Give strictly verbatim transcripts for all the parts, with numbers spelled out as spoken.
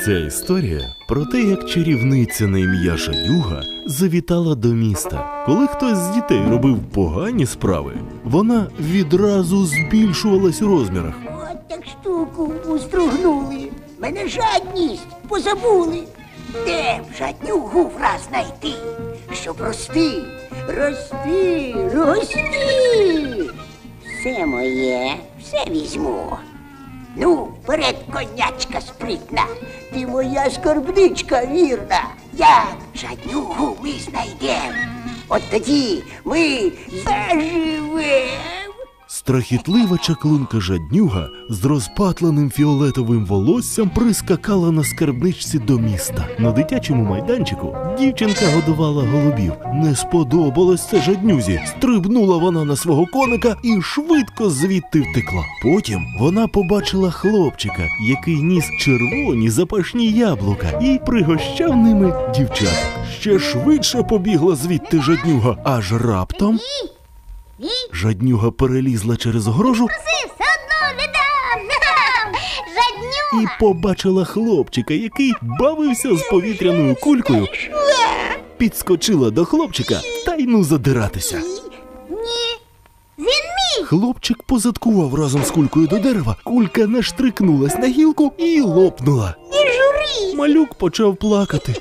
Ця історія про те, як чарівниця на ім'я Жадюга завітала до міста. Коли хтось з дітей робив погані справи, вона відразу збільшувалась у розмірах. От так штуку устругнули. Мене жадність позабули. Де б жаднюгу враз знайти, щоб рости, рости, рости. Все моє, все візьму. Ну, вперед, конячка спритна, ти моя скарбничка вірна. Як жаднюгу ми знайдем, от тоді ми заживем. Страхітлива чаклунка Жаднюга з розпатленим фіолетовим волоссям прискакала на скарбничці до міста. На дитячому майданчику дівчинка годувала голубів. Не сподобалось це Жаднюзі. Стрибнула вона на свого коника і швидко звідти втекла. Потім вона побачила хлопчика, який ніс червоні запашні яблука і пригощав ними дівчат. Ще швидше побігла звідти Жаднюга, аж раптом... Жаднюга перелізла через огорожу Все одно не дам! Жаднюга! і побачила хлопчика, який бавився з повітряною кулькою, підскочила до хлопчика та й ну задиратися. Ні, він мій! Хлопчик позадкував разом з кулькою до дерева, кулька наштрикнулась на гілку і лопнула. Не журись! Малюк почав плакати.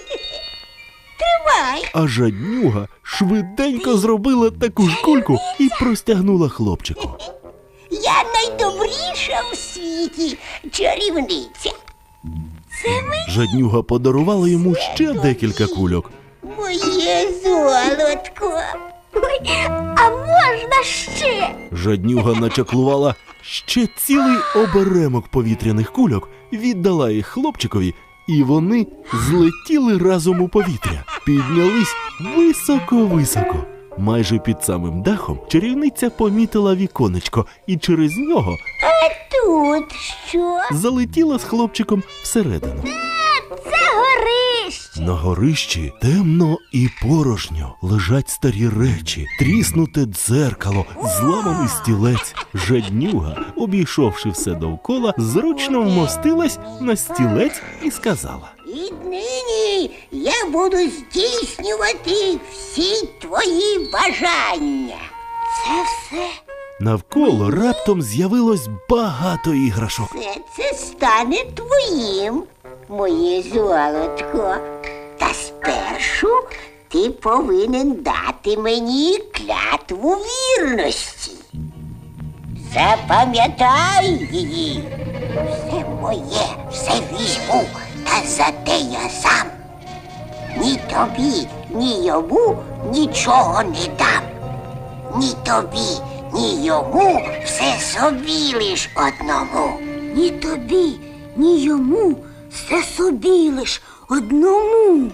Тривай. А Жаднюга швиденько зробила таку ж кульку і простягнула хлопчику. Я найдобріша в світі чарівниця. Це ми Жаднюга подарувала йому ще декілька кульок. моє золотко. Ой, а можна ще? Жаднюга начаклувала ще цілий оберемок повітряних кульок, віддала їх хлопчикові, і вони злетіли разом у повітря. Піднялись високо-високо. Майже під самим дахом чарівниця помітила віконечко і через нього А тут що? залетіла з хлопчиком всередину. Це горище! На горищі темно і порожньо. Лежать старі речі, тріснуте дзеркало, зламаний стілець. Жаднюга, обійшовши все довкола, зручно вмостилась на стілець і сказала: Віднині я буду здійснювати всі твої бажання. Це все, навколо раптом з'явилось багато іграшок. все це стане твоїм, моє золотко. Та спершу ти повинен дати мені клятву вірності. Запам'ятай її. Все моє, все візьму, та зате я сам. Ні тобі, ні йому нічого не дам. Ні тобі, ні йому все собі лиш одному. Ні тобі, ні йому все собі лиш одному.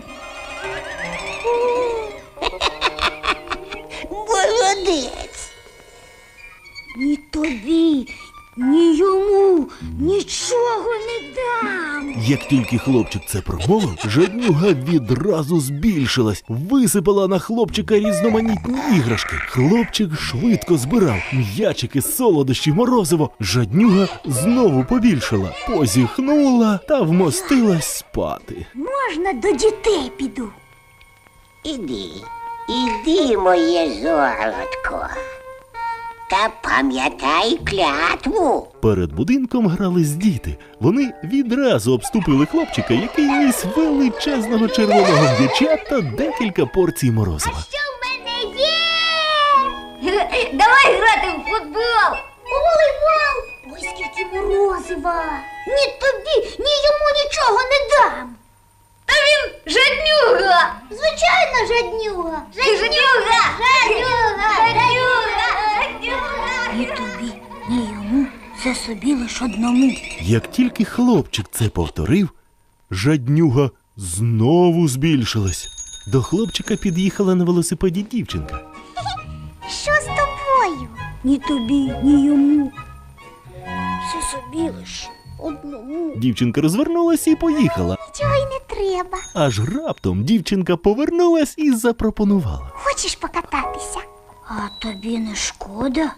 Молодець. Ні тобі, ні йому нічого не дам! Як тільки хлопчик це промовив, Жаднюга відразу збільшилась, висипала на хлопчика різноманітні іграшки. Хлопчик швидко збирав м'ячики, солодощі, морозиво. Жаднюга знову побільшила, позіхнула та вмостилась спати. Можна до дітей піду? Іди, іди, моє золотко. Та пам'ятай клятву. Перед будинком грались діти. Вони відразу обступили хлопчика, який ніс величезного червоного м'яча та декілька порцій морозива. Що в мене є? Давай грати в футбол! У волейбол! Ой, скільки морозива! Ні тобі, ні йому нічого не дам! Та він жаднюга! Звичайно, жаднюга! Жаднюга! Жаднюга! Жаднюга! Жаднюга! Ні тобі, ні йому, це собі лиш одному. Як тільки хлопчик це повторив, Жаднюга знову збільшилась. До хлопчика під'їхала на велосипеді дівчинка. Що з тобою? Ні тобі, ні йому, це собі лиш одному. Дівчинка розвернулась і поїхала. Нічого й не треба. Аж раптом дівчинка повернулась і запропонувала: Хочеш покататися? А тобі не шкода?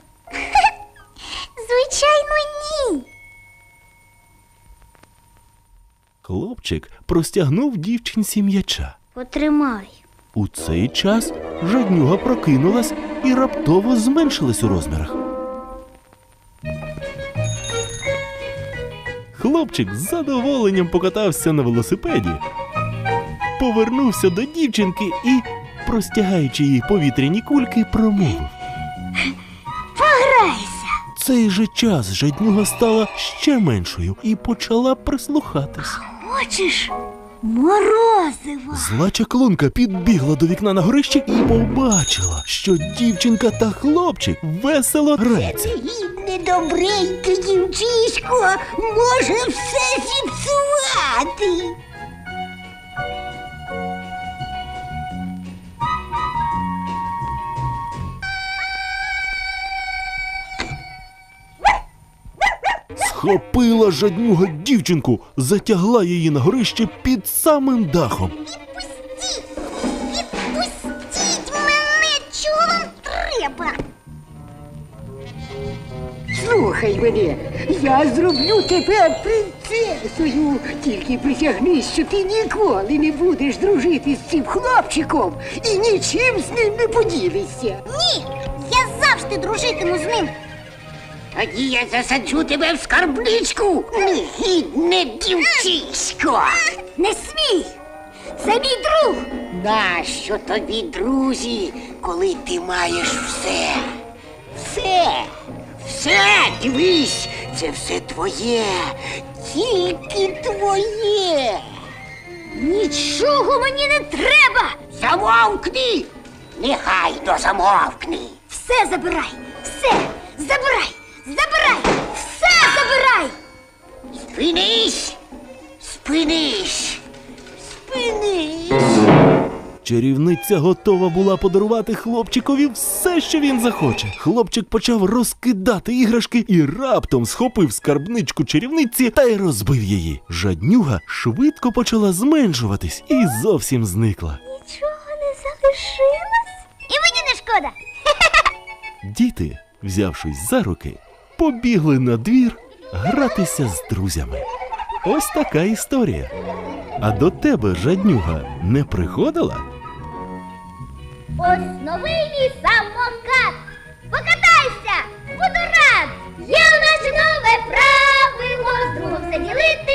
Звичайно, ні. Хлопчик простягнув дівчинці м'яча. Потримай. У цей час жаднюга прокинулась і раптово зменшилась у розмірах. Хлопчик з задоволенням покатався на велосипеді, повернувся до дівчинки і, простягаючи їй повітряні кульки, промовив. Пограйся. В цей же час жаднюга стала ще меншою і почала прислухатись. Хочеш морозива? Зла чаклунка підбігла до вікна на горищі і побачила, що дівчинка та хлопчик весело граються. Негідне добреньке дівчисько може все зіпсувати. Схопила жаднюга дівчинку, затягла її на горище під самим дахом. Відпустіть! Відпустіть мене! Чого вам треба? Слухай мене, я зроблю тебе принцесою. Тільки присягнись, що ти ніколи не будеш дружити з цим хлопчиком і нічим з ним не поділишся. Ні! Я завжди дружитиму з ним! Тоді я засаджу тебе в скарбничку, негідне дівчисько. Не смій! Це мій друг! Нащо тобі, друзі, коли ти маєш все? Все, все, дивись, це все твоє, тільки твоє. Нічого мені не треба! Замовкни! Нехайно замовкни! Все забирай! Все! Забирай! Забирай! Все забирай! Спинись! Спинись! Спинись! Чарівниця готова була подарувати хлопчикові все, що він захоче. Хлопчик почав розкидати іграшки і раптом схопив скарбничку чарівниці та й розбив її. Жаднюга швидко почала зменшуватись і зовсім зникла. Нічого не залишилось? І мені не шкода! Діти, взявшись за руки, побігли на двір гратися з друзями. Ось така історія. А до тебе жаднюга не приходила? Ось новий мій самокат! Покатайся! Буду рад! Є в нас нове правило, з другом все ділити